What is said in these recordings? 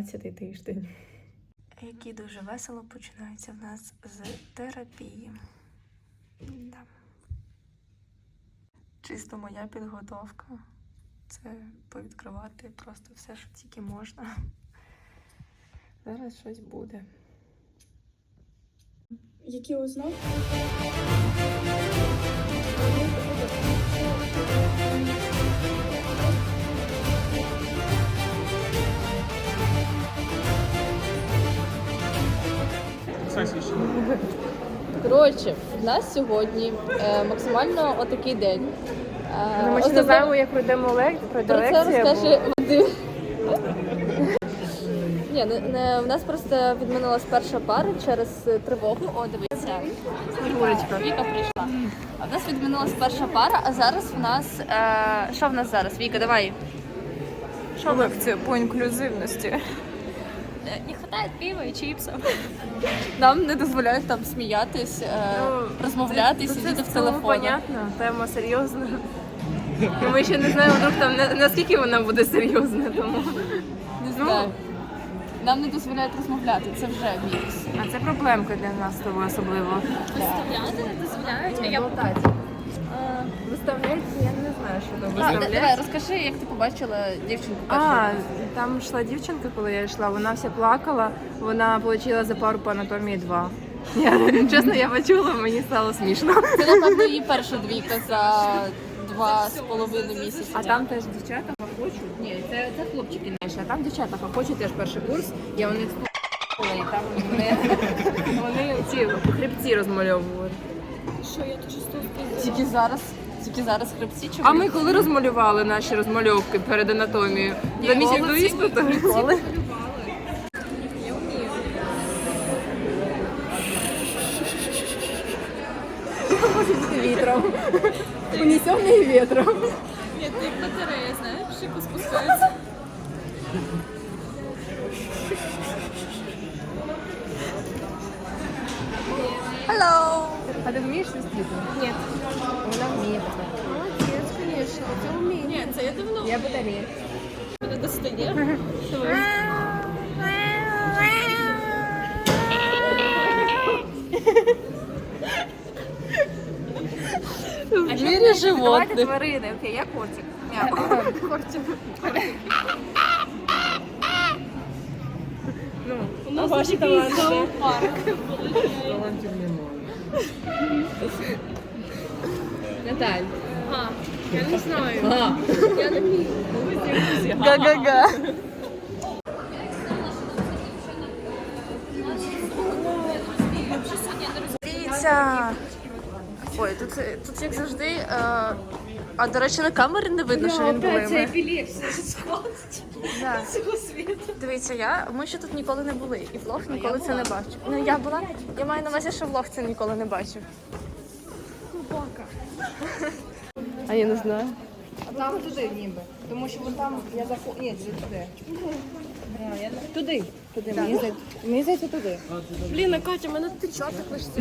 12-й тиждень. Який дуже весело починається в нас з терапії. Да. Чисто моя підготовка. Це повідкривати просто все, що тільки можна. Зараз щось буде. Які ознаки? Коротше, в нас сьогодні максимально отакий день. Ми ще не знаємо, як пройдемо Про це розкаже Вадим. Ні, в нас просто відмінилась перша пара через тривогу. О, дивіться, Снігурочка. Віка прийшла. А в нас відмінилась перша пара, а зараз в нас... Що в нас зараз? Віка, давай. Що лекція по інклюзивності? Не вистачає пива і чіпсів. Нам не дозволяють там сміятись, розмовляти, сидіти в телефоні. Понятно, тема серйозна. І ми ще не знаємо, вдруг там наскільки вона буде серйозна, тому... Не знаю. Нам не дозволяють розмовляти, це вже мінус. А це проблемка для нас з тобою особливо. Виставляти не дозволяють, а я Виставляють, я не знаю, що там виставляють. Давай, розкажи, як ти побачила дівчинку першу. Там йшла дівчинка, коли я йшла, вона вся плакала, вона отримала за пару по анатомії 2. Чесно, я почула, мені стало смішно. Це, напевно, її перша двійка за 2,5 місяці. А там теж дівчата хочуть. Ні, це хлопчики наші, а там дівчата хочуть теж перший курс. Я у них і там вони ці хребці розмальовували. Що я дуже стовпила? Тільки зараз хребці чи А ми коли розмалювали наші розмальовки перед анатомією? За місяць до іспиту? Ніколи. Вітром. Унесений вітром. Ні, ти як батарея, знаєш, шику спускається. Hello! А ти вмієш сестрити? Ні. Вона вміє таке. Молодець, звісно, це вміє. Ні, це я давно. Я батарея. Мене достає. В мире животных. Давайте тварини. Окей, я котик. Котик. У нас ваші таланти. Наталь. Я не знаю. Я не вмію. Га-га-га. Дивіться. Ой, тут як завжди. А, до речі, на камері не видно, що він блимає. Да. Дивіться, ми ще тут ніколи не були. І влог ніколи це не бачив. Ну, я маю на увазі, що влог це ніколи не бачив. А я не знаю. А там туди ніби. Тому що вон там я заходжу. Ні, туди. Туди. Мені здається туди. Блін, Катя, мене тичати хочеться.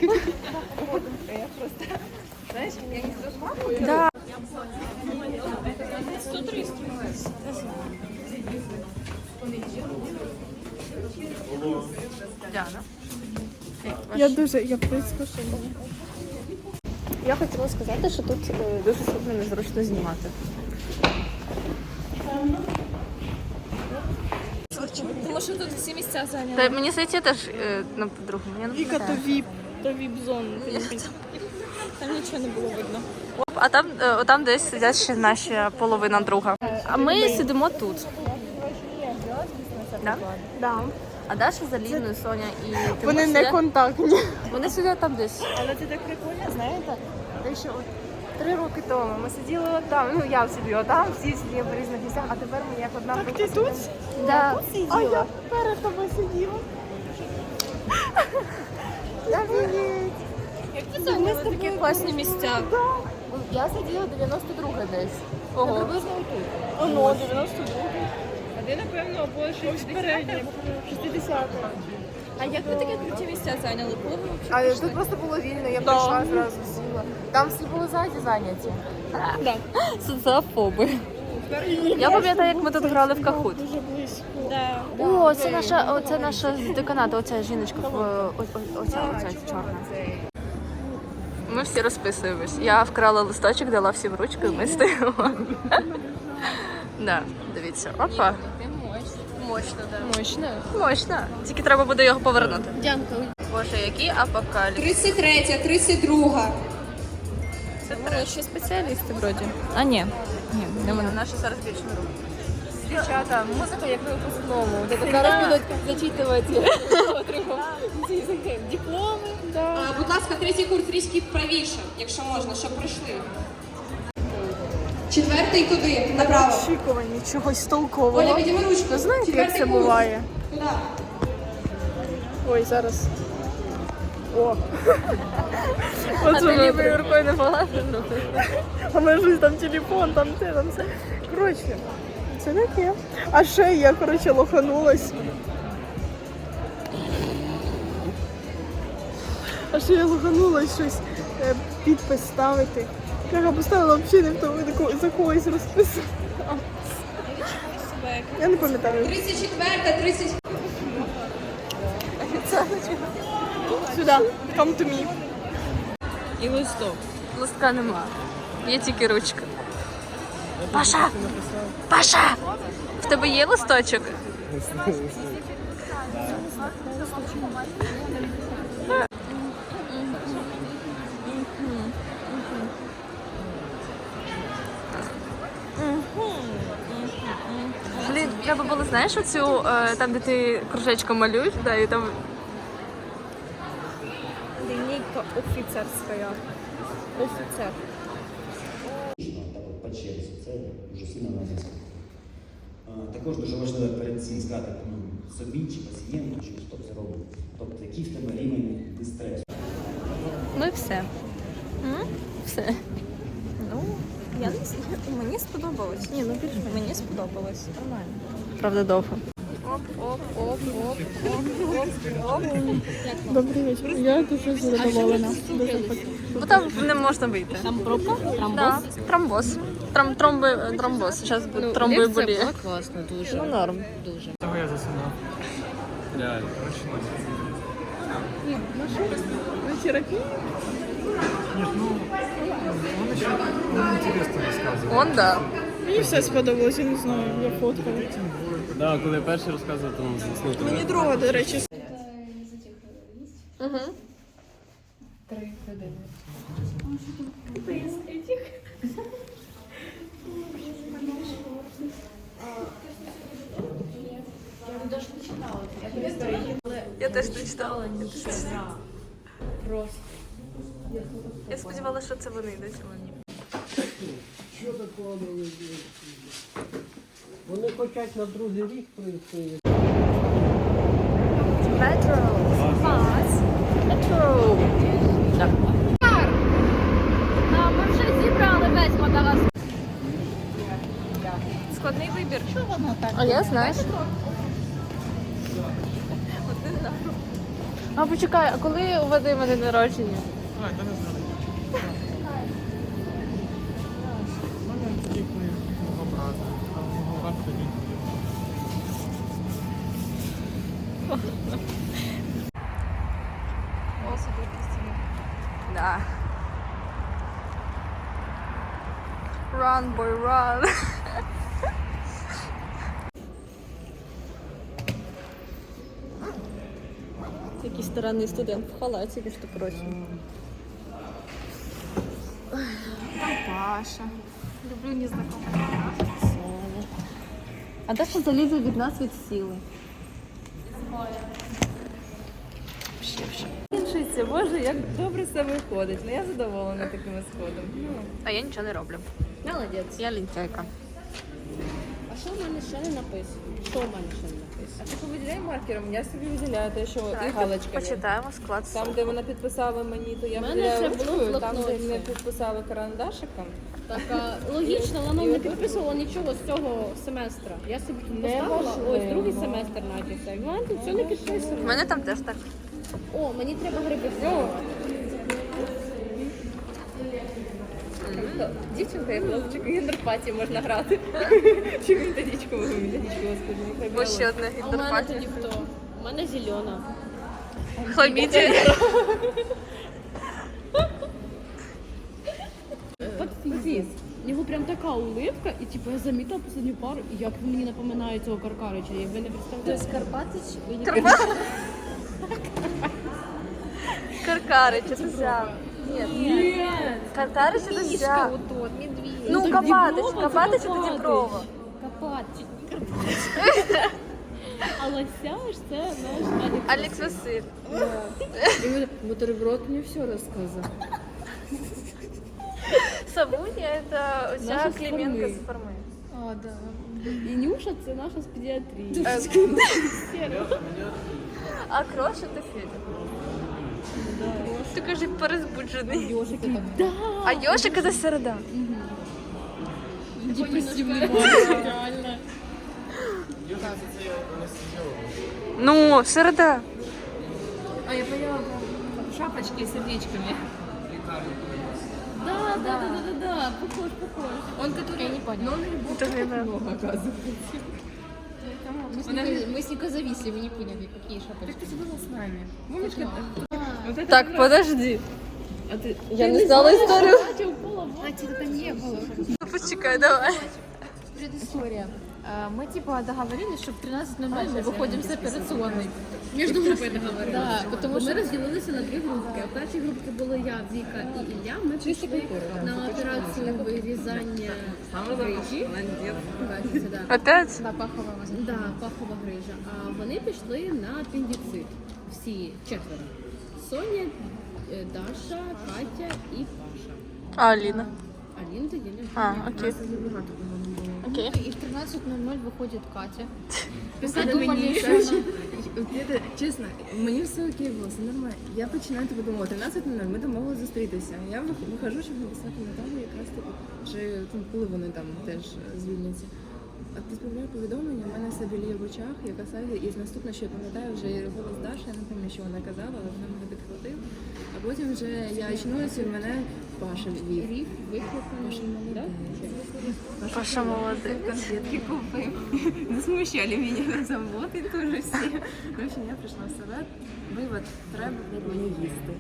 Я просто... Знаєш, я не розмахую. Да. Діана. Я прискошена. Я хотіла сказати, що тут дуже сильно незручно знімати. Тому що тут всі місця зайняли. Та мені здається, теж на по-другому. Віка, то віп-зона. Там нічого не було видно. А там десь сидять ще наші половина друга. А ми сидимо тут. Да? Да. А Даша з Аліною, Соня і Тимур Вони не сидять- контактні. Вони сидять там десь. Але це так прикольно, знаєте? Те, що от 3 роки тому ми сиділи отам, ну я сиділа отам, всі сиділи в різних місцях, а тепер ми як одна Так ти тут? Да. А я перед тобою сиділа. Як ти зайняла такі класні місця? Я сиділа 92 десь. Ого. Приблизно тут. Оно, 92. А ти, напевно, більше передні. 60. А як ви такі круті місця зайняли? Коли ви А тут просто було вільно, я прийшла зразу сіла. Там всі були ззаді зайняті. Соціофоби. Я пам'ятаю, як ми тут грали в Кахут. дуже близько? Да. О, це наша з деканату, оця жіночка, оця чорна. Ми всі розписуємось. Я вкрала листочок, дала всім ручку, і ми стоїмо. Да, дивіться, опа. Мощно, да. Мощно. Мощно. Тільки треба буде його повернути. Дякую. Боже, який апокаліпсис. 33, 32. Це ще спеціалісти вроді. А ні. Ні, не вони. Наша зараз більше не робить. Дівчата, музика як на випускному. Зараз будуть зачитувати дипломи. Будь ласка, третій курс трішки правіше, якщо можна, щоб пройшли. Четвертий туди, направо. Очікування чогось толкового. Оля, підійми ручку. Ви знаєте, як Четвертий це курс. буває? Туди. Ой, зараз. О. А ти лівою рукою не погладиш? А в мене щось там телефон, там те, там все. Коротше, це таке. А ще я, коротше, лоханулась. Щось підпис ставити. Я поставила взагалі не в тому, за когось розписала. Я не пам'ятаю. 34, 30. Сюди, come to me. І листок. Листка нема. Є тільки ручка. Паша! Паша! В тебе є листочок? Блін, треба було, знаєш, оцю, там, де ти кружечком малюєш, да, і там Лінійка офіцерська. Офіцер. Так от по черзі, це дуже сильно натиск. Також дуже важливо перед цим сказати собі чи пацієнту, чи хто це робить. Тобто, який в тебе рівень дистресу. ну і все. Все. Ну, я не знаю. Мені сподобалось. Ні, ну більш мені сподобалось. Нормально. Правда, довго. Добрий вечір. Я дуже задоволена. Дуже Бо там не можна вийти. Там пробка? Да. Тромбоз. Тромбоз. Зараз буде тромбоеболія. Це було класно, дуже. Ну, норм. Дуже. Того я засинав. Реально. На терапії? Нет, ну, он еще интересно рассказывал. Он, да. Мені все сподобалось, я не знаю, я фоткала. Да, коли я перший розказував, то заснути. Мені друга, до речі. Я теж не читала. Просто. Я сподівалася, що це вони йдуть, але ні. Вони хочуть на другий рік прийти. Метро. Метро. Ми вже зібрали весь Мадагаскар. Складний вибір. А я знаю. А почекай, а коли у Вадима день народження? А, це не знаю. У мене тоді, коли мого брата. А мого брата тоді. Да. Run, boy, run. Якийсь старанний студент в халаті, між прочим. Паша. Люблю незнакомых. А Даша залізла від нас від сили. Вчиться, боже, як добре все виходить. Ну я задоволена таким сходом. А я нічого не роблю. Молодець. Я лінтяйка. А що в мене ще не написано? Що в мене ще не написано? А ти повиділяй маркером, я собі виділяю те, що і галочками. Почитаємо склад. Там, де вона підписала мені, то я У мене виділяю це було в ручкою, там, де блокноті. не підписала карандашиком. Так, логічно, вона не підписувала нічого з цього семестра. Я собі тут поставила, ось другий семестр начався. І в мене тут все не У підписано. мене там теж так. О, мені треба гриби. дівчинка, я хлопчик, гендерпатії можна грати. Чи методичку, господи. Ось ще одне А у мене гідропатія. тоді хто? У мене зелена. Хламідія. Подфіз. У нього прям така улыбка, і типу я замітила останню пару, і як він мені напоминає цього Каркарича, як ви не представляєте. Тобто Карпатич? Каркарич, це взяв. Ні. Каркарич це взяв. Ну, так Копатич. Діброва, Копатич це це Копатич. Діброва. Карпатич. А Лосяш це наш Алекс. Алекс Василь. Бутерброд мне все рассказал. Савунія це Наша оця з Клименко Форми. з форми. А, да. І Нюша це наша з педіатрії. А Кроша це Федя. Ти кажи перезбуджений. Йошик так. А Йошик це середа. Депресивний мальчик, реально. Ну, середа. А я поняла, шапочки с сердечками. Да, похож. Он, который... Я не поняла. Но он Тоже не знаю. много, оказывается. Мы с Никой зависли, вы не поняли, какие шапочки. Так ты же была с нами. Помнишь, как... Так, подожди. А ты... Я не знала історію. А, тебя не было. Почекай, давай. Предыстория. Мы типа договорились, что в 13:00 мы выходим с операционной. Между группой договорились. Да, потому что Ми розділилися на 2 групки. В першій групці були я, Віка і Ілля. Ми пішли на операцію вирізання грижі. Бачите, да. Опять? да, паховая мазь. Да, пахова грижа. А вони пішли на апендицит. Всі 4. Соня, Даша, Катя і Паша. А, Аліна. Аліна тоді не А, окей. Окей. И в 13:00 выходит Катя. Писали мені, чесно, мені все окей було, все нормально. Я починаю тобі думати, 13:00 ми домовилися зустрітися. Я виходжу, щоб написати Наталі, якраз таки, вже коли вони там теж звільняться. А відправляю повідомлення, в мене все біліє в очах, я касаю, і наступне, що я пам'ятаю, вже голос Даші, я не пам'ятаю, що вона казала, але вона мене підхватив. А потім вже я очнулася, і в мене Паша вів. Рів, викликаний. Да? Паша молодець. Конфетки купив. Не смущали мене на завод, і теж всі. В общем, я прийшла в себе, вивод, треба мені їсти.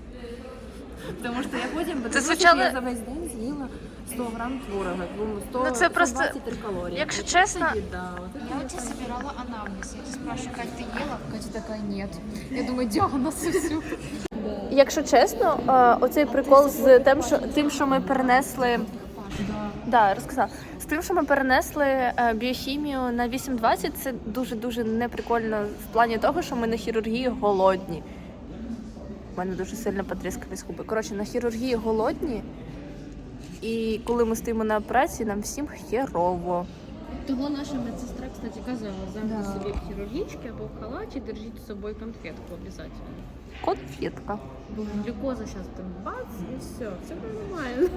Тому що я потім звучало- я за весь день з'їла 100 грам творога, 100, Ну, це просто, 123 калорії. якщо От чесно- це їда, от це Я у тебя собирала анамнез. Я тебя спрашиваю, Катя, ты ела? Катя такая, нет. Я думаю, диагноз и все. Якщо чесно, оцей прикол з тим, що ми перенесли. Да, розказала. З тим, що ми перенесли біохімію на 8:20, це дуже-дуже неприкольно в плані того, що ми на хірургії голодні. У мене дуже сильно потріскались губи. Коротше, на хірургії голодні, і коли ми стоїмо на операції, нам всім херово. Того наша медсестра, кстати, казала, завжди собі в хірургічки або в халаті держіть з собою конфетку обов'язково. Конфетка. Бо глюкоза зараз там бац, і все нормально.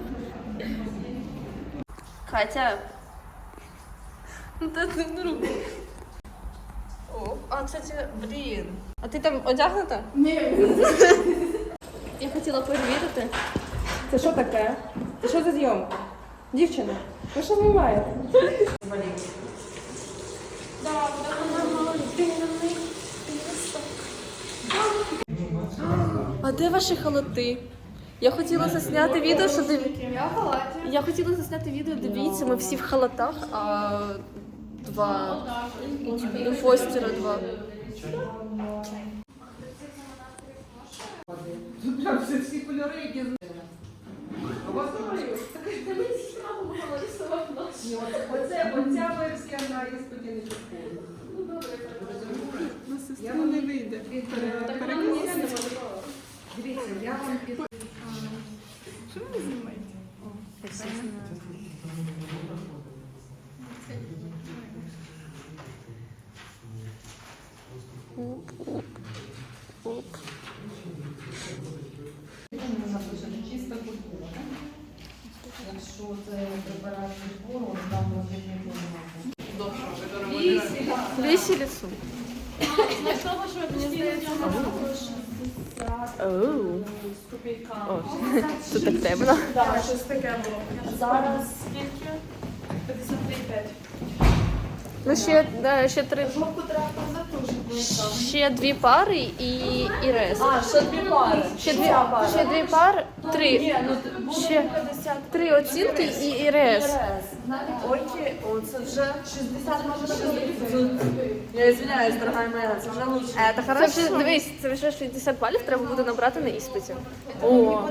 Катя. Ну та ти не руку. О, а, кстати, блін. А ти там одягнута? Ні. Я хотіла перевірити. Це що таке? Це що за зйомка? Дівчина, ви що знімаєте? А де ваші халати? Я хотіла засняти відео, що Я хотіла засняти відео, дивіться, ми всі в халатах, а два. У Фостера два. Всі кольори, які оця версія на іспиті не підходить. На сестру не вийде. Дивіться, я вам під... Що ви знімаєте? Чиста культура. Якщо це препарат збору, там може не Веселицу. Оу. О, це так темно. Так, щось таке було. Зараз скільки? 53,5. Ну, ще три. Ще дві пари і рез. Ще дві пари. Ще дві пари, три. Ще три оцінки і рез. Окей, о, це вже 60 може. Я извиняюсь, дорога моя, це вже лучше. Це вже, дивись, це вже 60 балів треба буде набрати на іспиті. О.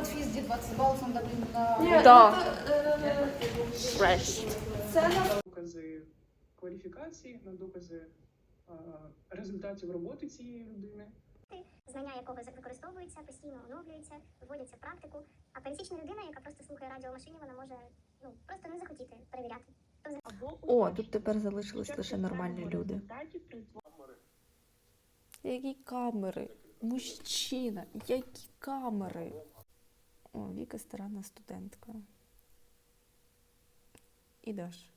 Да. Фреш. Докази кваліфікації, на докази результатів роботи цієї людини. Знання якого використовуються, постійно оновлюються, вводяться в практику. А пересічна людина, яка просто слухає радіо в машині, вона може просто не захотіти перевіряти. О, тут тепер залишились лише нормальні люди. Які камери? Мужчина, які камери? О, Віка старанна студентка. І Даш.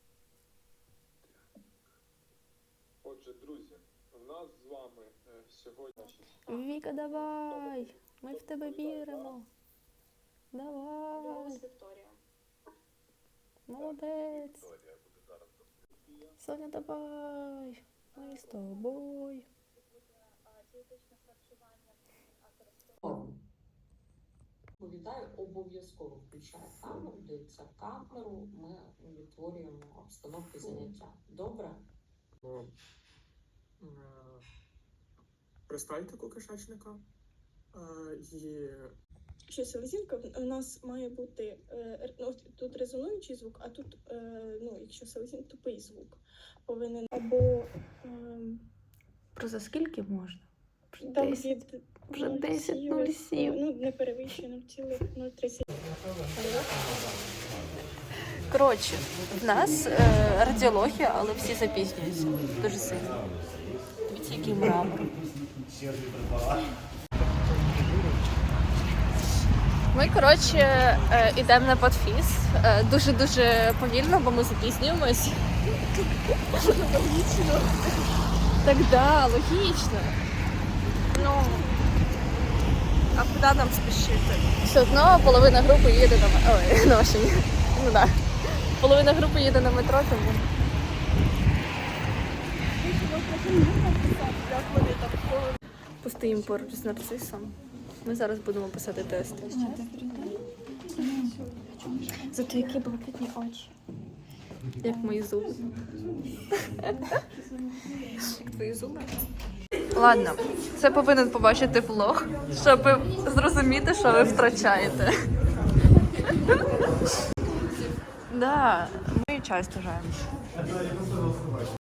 Отже, друзі, у нас з вами сьогодні... Віка, давай! Ми в тебе віримо. Давай! Молодець! Соня, давай! Ми з тобою! Відповідаю, обов'язково включає камеру, дивиться камеру, ми відтворюємо обстановки заняття. Добре? Пристальтику кишечника. І Що селезінка, у нас має бути тут резонуючий звук, а тут, якщо селезінка, тупий звук повинен або Просто скільки можна? там від Вже 10:07. не перевищує 0,030. Коротше, в нас радіологія, але всі запізнюються. Дуже сильно. Дивіться, який мрамор. Ми, коротше, йдемо на подфіз. Дуже-дуже повільно, бо ми запізнюємось. Логічно. Так, да, логічно. Ну, а куди нам спішити? Все одно половина групи їде на машині. Ну так. Половина групи їде на метро, тому. Постоїмо поруч з нарцисом. Ми зараз будемо писати тест. Зато які блакитні очі. Як мої зуби. Як твої зуби. Ладно, це повинен побачити влог, щоб зрозуміти, що ви втрачаєте. Да, ми часто граємо.